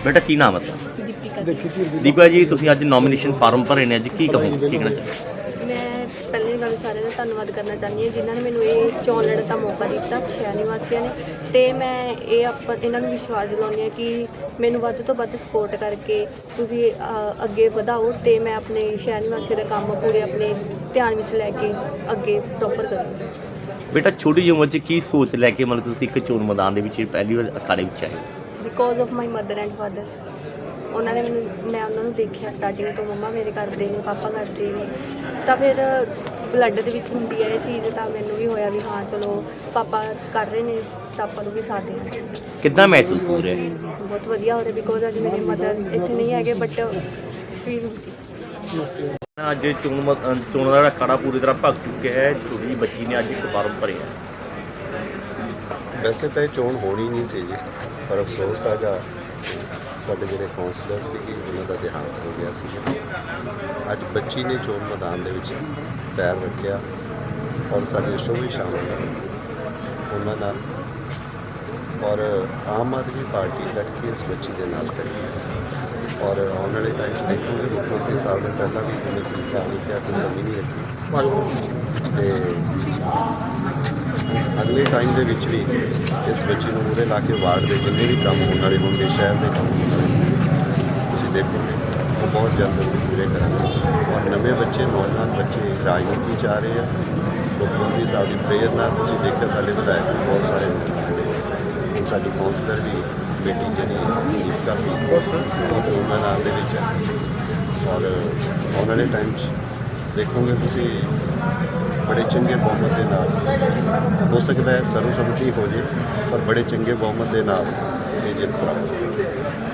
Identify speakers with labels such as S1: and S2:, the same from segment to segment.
S1: बेटा की नाम है दीपा जी, ਤੁਸੀਂ ਅੱਜ ਨੋਮੀਨੇਸ਼ਨ ਫਾਰਮ ਭਰੇ ਨੇ, ਅੱਜ ਕੀ ਕਹੋ, ਕੀ ਕਹਿਣਾ ਚਾਹੁੰਦੇ?
S2: ਮੈਂ ਪਹਿਲੀ ਗੱਲ ਸਾਰਿਆਂ ਦਾ ਧੰਨਵਾਦ ਕਰਨਾ ਚਾਹੁੰਦੀ ਹਾਂ ਜਿਨ੍ਹਾਂ ਨੇ ਮੈਨੂੰ ਇਹ ਚੋਣ ਲੜਨ ਦਾ ਮੌਕਾ ਦਿੱਤਾ, ਸ਼ਹਿਰ ਨਿਵਾਸੀਆਂ ਨੇ। ਅਤੇ ਮੈਂ ਇਹਨਾਂ ਨੂੰ ਵਿਸ਼ਵਾਸ ਦਿਲਾਉਂਦੀ ਹਾਂ ਕਿ ਮੈਨੂੰ ਵੱਧ ਤੋਂ ਵੱਧ ਸਪੋਰਟ ਕਰਕੇ ਤੁਸੀਂ ਅੱਗੇ ਵਧਾਓ ਅਤੇ ਮੈਂ ਆਪਣੇ ਸ਼ਹਿਰ ਨਿਵਾਸੀਆਂ ਦਾ ਕੰਮ ਪੂਰੇ ਆਪਣੇ ਧਿਆਨ ਵਿੱਚ ਲੈ ਕੇ ਅੱਗੇ ਪ੍ਰੋਪਰ ਕਰਾਂ।
S1: ਬੇਟਾ ਛੋਟੀ ਜਿਹੀ ਉਮਰ 'ਚ ਕੀ ਸੋਚ ਲੈ ਕੇ ਮਤਲਬ ਤੁਸੀਂ ਇੱਕ ਚੋਣ ਮੈਦਾਨ ਦੇ ਵਿੱਚ ਪਹਿਲੀ ਵਾਰ ਅਖਾੜੇ ਵਿੱਚ ਆਏ?
S2: Because of my mother and father. ਉਹਨਾਂ ਨੇ ਮੈਂ ਉਹਨਾਂ ਨੂੰ ਦੇਖਿਆ ਸਟਾਰਟਿੰਗ ਤੋਂ, ਮੰਮਾ ਮੇਰੇ ਕਰਦੇ ਨੇ, ਪਾਪਾ ਕਰਦੇ ਨੇ, ਤਾਂ ਫਿਰ ਬਲੱਡ ਦੇ ਵਿੱਚ ਹੁੰਦੀ ਹੈ ਇਹ ਚੀਜ਼। ਤਾਂ ਮੈਨੂੰ ਵੀ ਹੋਇਆ ਵੀ ਹਾਂ ਚਲੋ ਪਾਪਾ ਕਰ ਰਹੇ ਨੇ ਤਾਂ ਆਪਾਂ ਨੂੰ ਵੀ ਸਾਥ ਦੇਣਾ।
S1: ਕਿੱਦਾਂ ਮਹਿਸੂਸ ਹੋ ਰਿਹਾ?
S2: ਬਹੁਤ ਵਧੀਆ ਹੋ ਰਿਹਾ ਬਿਕੋਜ਼ ਅੱਜ ਮੇਰੇ ਮਦਰ ਇੱਥੇ ਨਹੀਂ ਹੈਗੇ ਬਟ ਫਿਰ
S1: ਅੱਜ ਚੋਣਾਂ ਦਾ ਅਖਾੜਾ ਪੂਰੀ ਤਰ੍ਹਾਂ ਭਗ ਚੁੱਕਿਆ ਹੈ। ਛੋਟੀ ਜਿਹੀ ਬੱਚੀ ਨੇ ਅੱਜ ਇੱਕ ਫਾਰਮ ਭਰਿਆ।
S3: ਵੈਸੇ ਤਾਂ ਇਹ ਚੋਣ ਹੋਣੀ ਨਹੀਂ ਸੀ ਜੀ, ਪਰ ਅਫਸੋਸ ਹੈਗਾ ਸਾਡੇ ਜਿਹੜੇ ਕਾਉਂਸਲਰ ਸੀਗੇ ਉਹਨਾਂ ਦਾ ਦੇਹਾਂਤ ਹੋ ਗਿਆ ਸੀ। ਅੱਜ ਬੱਚੀ ਨੇ ਚੋਣ ਮੈਦਾਨ ਦੇ ਵਿੱਚ ਪੈਰ ਰੱਖਿਆ ਔਰ ਸਾਡੇ ਸ਼ੋਅ ਵੀ ਸ਼ਾਮਲ ਨੇ ਉਹਨਾਂ ਨਾਲ, ਔਰ ਆਮ ਆਦਮੀ ਪਾਰਟੀ ਤੱਕ ਕਿ ਇਸ ਬੱਚੀ ਦੇ ਨਾਲ ਖੜੀ ਹੈ। ਔਰ ਆਉਣ ਵਾਲੇ ਟਾਈਮ 'ਚ ਦੇਖੋਗੇ ਮੁੱਖ ਮੰਤਰੀ ਸਾਹਿਬ ਨੇ ਪਹਿਲਾਂ ਵੀ ਉਹਨੇ ਪੁਲਿਸ ਸਾਹਿਬ ਨੇ ਕਿਹਾ ਕੋਈ ਕਮੀ ਨਹੀਂ ਰੱਖੀ, ਅਤੇ ਅਗਲੇ ਟਾਈਮ ਦੇ ਵਿੱਚ ਵੀ ਇਸ ਬੱਚੀ ਨੂੰ ਮੂਹਰੇ ਲਾ ਕੇ ਵਾਰਡ ਦੇ ਜਿੰਨੇ ਵੀ ਕੰਮ ਹੋਣ ਵਾਲੇ ਹੋਣਗੇ, ਸ਼ਹਿਰ ਦੇ ਕੰਮ ਹੋਣ ਵਾਲੇ ਤੁਸੀਂ ਦੇਖੋਗੇ ਉਹ ਬਹੁਤ ਜਲਦ ਅਸੀਂ ਪੂਰੇ ਕਰਾਂਗੇ। ਔਰ ਨਵੇਂ ਬੱਚੇ, ਨੌਜਵਾਨ ਬੱਚੇ ਰਾਜਨੀਤੀ 'ਚ ਆ ਰਹੇ ਆ। ਮੁੱਖ ਮੰਤਰੀ ਸਾਹਿਬ ਦੀ ਪ੍ਰੇਰਨਾ ਤੁਸੀਂ ਦੇਖਿਆ ਸਾਡੇ ਵਿਧਾਇਕ ਬਹੁਤ ਸਾਰੇ ਹੁਣ ਸਾਡੀ ਕਾਉਂਸਲਰ ਵੀ ਬੇਟੀ ਜਿਹੜੀ ਦੀਪਕਾ ਉਹ ਚੋਣ ਮੈਦਾਨ ਦੇ ਵਿੱਚ ਹੈ। ਔਰ ਆਉਣ ਵਾਲੇ ਟਾਈਮ 'ਚ ਦੇਖੋਗੇ ਤੁਸੀਂ ਬੜੇ ਚੰਗੇ ਬਹੁਮਤ ਦੇ ਨਾਲ, ਹੋ ਸਕਦਾ ਹੈ ਸਰਵਸੰਮਤੀ ਹੋ ਜੇ, ਪਰ ਬੜੇ ਚੰਗੇ ਬਹੁਮਤ ਦੇ ਨਾਲ ਇਹ ਜਿੱਤ ਪ੍ਰਾਪਤ ਹੋਵੇ।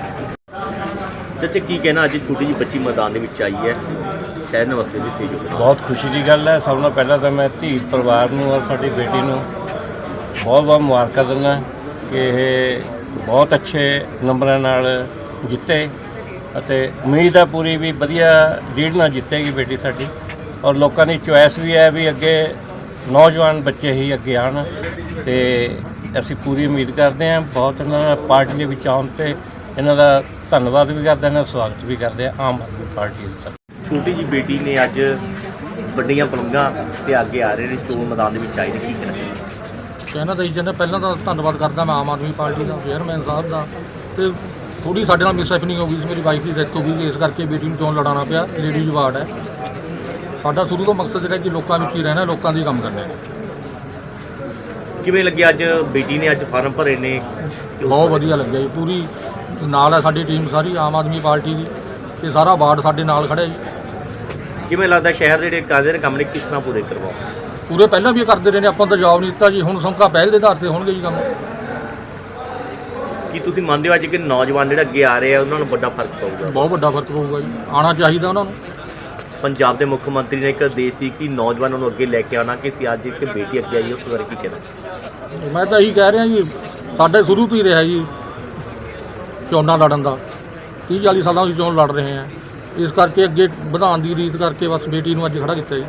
S1: ਚਾਚਾ ਕੀ ਕਹਿਣਾ, ਅੱਜ ਛੋਟੀ ਜਿਹੀ ਬੱਚੀ ਮੈਦਾਨ ਦੇ ਵਿੱਚ ਆਈ ਹੈ ਸ਼ਹਿਰ ਨਿਵਾਸੀ ਦੀ ਸਹਿਯੋਗ ਨਾਲ?
S4: ਬਹੁਤ ਖੁਸ਼ੀ ਦੀ ਗੱਲ ਹੈ। ਸਭ ਤੋਂ ਪਹਿਲਾਂ ਤਾਂ ਮੈਂ ਧੀ ਪਰਿਵਾਰ ਨੂੰ ਔਰ ਸਾਡੀ ਬੇਟੀ ਨੂੰ ਬਹੁਤ ਬਹੁਤ ਮੁਬਾਰਕਾਂ ਦਿੰਦਾ ਕਿ ਇਹ ਬਹੁਤ ਅੱਛੇ ਨੰਬਰਾਂ ਨਾਲ ਜਿੱਤੇ, ਅਤੇ ਉਮੀਦ ਹੈ ਪੂਰੀ ਵੀ ਵਧੀਆ ਲੀਡ ਨਾਲ ਜਿੱਤੇਗੀ ਬੇਟੀ ਸਾਡੀ। ਔਰ ਲੋਕਾਂ ਦੀ ਚੁਆਇਸ ਵੀ ਹੈ ਵੀ ਅੱਗੇ ਨੌਜਵਾਨ ਬੱਚੇ ਹੀ ਅੱਗੇ ਆਉਣ, ਅਤੇ ਅਸੀਂ ਪੂਰੀ ਉਮੀਦ ਕਰਦੇ ਹਾਂ। ਬਹੁਤ ਇਹਨਾਂ ਦਾ ਪਾਰਟੀ ਦੇ ਵਿੱਚ ਆਉਣ 'ਤੇ ਇਹਨਾਂ ਦਾ ਧੰਨਵਾਦ ਵੀ ਕਰਦੇ ਹਾਂ, ਸਵਾਗਤ ਵੀ ਕਰਦੇ ਹਾਂ ਆਮ ਆਦਮੀ ਪਾਰਟੀ ਦਾ।
S1: ਛੋਟੀ ਜਿਹੀ ਬੇਟੀ ਨੇ ਅੱਜ ਵੱਡੀਆਂ ਪਲੰਘਾਂ ਤੇ ਅੱਗੇ ਆ ਰਹੇ ਨੇ, ਚੋਣ ਮੈਦਾਨ ਦੇ ਵਿੱਚ ਆਏ ਨੇ, ਕੀ
S5: ਕਹਿਣਾ ਤਾਂ ਜੀ ਪਹਿਲਾਂ ਤਾਂ ਧੰਨਵਾਦ ਕਰਦਾ ਮੈਂ ਆਮ ਆਦਮੀ ਪਾਰਟੀ ਦਾ, ਚੇਅਰਮੈਨ ਸਾਹਿਬ ਦਾ। ਅਤੇ ਥੋੜ੍ਹੀ ਸਾਡੇ ਨਾਲ ਮਿਸਹੈਪਨਿੰਗ ਹੋ ਗਈ ਸੀ, ਮੇਰੀ ਵਾਈਫ ਦੀ ਡੈਥ ਹੋ ਗਈ, ਇਸ ਕਰਕੇ ਬੇਟੀ ਨੂੰ ਚੋਣ ਲੜਾਉਣਾ ਪਿਆ। ਲੇਡੀਜ਼ ਵਾਰਡ ਹੈ ਸਾਡਾ, ਸ਼ੁਰੂ ਤੋਂ ਮਕਸਦ ਜਿਹੜਾ ਕਿ ਲੋਕਾਂ ਵਿੱਚ ਹੀ ਰਹਿਣਾ, ਲੋਕਾਂ ਦੇ ਕੰਮ ਕਰਨੇ।
S1: ਕਿਵੇਂ ਲੱਗਿਆ ਅੱਜ ਬੇਟੀ ਨੇ ਅੱਜ ਫਾਰਮ ਭਰੇ ਨੇ?
S5: ਬਹੁਤ ਵਧੀਆ ਲੱਗਿਆ ਜੀ, ਪੂਰੀ ਨਾਲ ਹੈ ਸਾਡੀ ਟੀਮ ਸਾਰੀ ਆਮ ਆਦਮੀ ਪਾਰਟੀ ਦੀ, ਅਤੇ ਸਾਰਾ ਵਾਰਡ ਸਾਡੇ ਨਾਲ ਖੜ੍ਹਿਆ ਜੀ।
S1: ਕਿਵੇਂ ਲੱਗਦਾ ਸ਼ਹਿਰ ਦੇ ਜਿਹੜੇ ਕਾਜ਼ੇ ਦੇ ਕੰਮ ਨੇ ਕਿਸ ਤਰ੍ਹਾਂ ਪੂਰੇ ਕਰਵਾਓ?
S5: ਪੂਰੇ ਪਹਿਲਾਂ ਵੀ ਕਰਦੇ ਰਹੇ ਨੇ, ਆਪਾਂ ਤਾਂ ਜਵਾਬ ਨਹੀਂ ਦਿੱਤਾ ਜੀ, ਹੁਣ ਸਮਕਾ ਪਹਿਲ ਦੇ ਆਧਾਰ 'ਤੇ ਹੋਣਗੇ ਜੀ ਕੰਮ।
S1: ਕੀ ਤੁਸੀਂ ਮੰਨਦੇ ਹੋ ਅੱਜ ਕਿ ਨੌਜਵਾਨ ਜਿਹੜੇ ਅੱਗੇ ਆ ਰਹੇ ਆ ਉਹਨਾਂ ਨੂੰ ਵੱਡਾ ਫਰਕ ਪਊਗਾ?
S5: ਬਹੁਤ ਵੱਡਾ ਫਰਕ ਪਊਗਾ ਜੀ, ਆਉਣਾ ਚਾਹੀਦਾ ਉਹਨਾਂ ਨੂੰ।
S1: ਪੰਜਾਬ ਦੇ ਮੁੱਖ ਮੰਤਰੀ ਨੇ ਇੱਕ ਆਦੇਸ਼ ਸੀ ਕਿ ਨੌਜਵਾਨਾਂ ਨੂੰ ਅੱਗੇ ਲੈ ਕੇ ਆਉਣਾ, ਕਿ ਅਸੀਂ ਅੱਜ ਇੱਕ ਬੇਟੀ ਅੱਗੇ ਆਈ, ਉਸ ਬਾਰੇ ਕੀ ਕਹਿਣਾ?
S5: ਮੈਂ ਤਾਂ ਇਹੀ ਕਹਿ ਰਿਹਾ ਜੀ, ਸਾਡੇ ਸ਼ੁਰੂ ਤੋਂ ਹੀ ਰਿਹਾ ਜੀ ਚੋਣਾਂ ਲੜਨ ਦਾ, 30-40 ਸਾਲਾਂ ਦੀ ਚੋਣ ਲੜ ਰਹੇ ਹਾਂ। ਇਸ ਕਰਕੇ ਅੱਗੇ ਵਧਾਉਣ ਦੀ ਰੀਤ ਕਰਕੇ ਬਸ ਬੇਟੀ ਨੂੰ ਅੱਜ ਖੜਾ ਕੀਤਾ ਜੀ।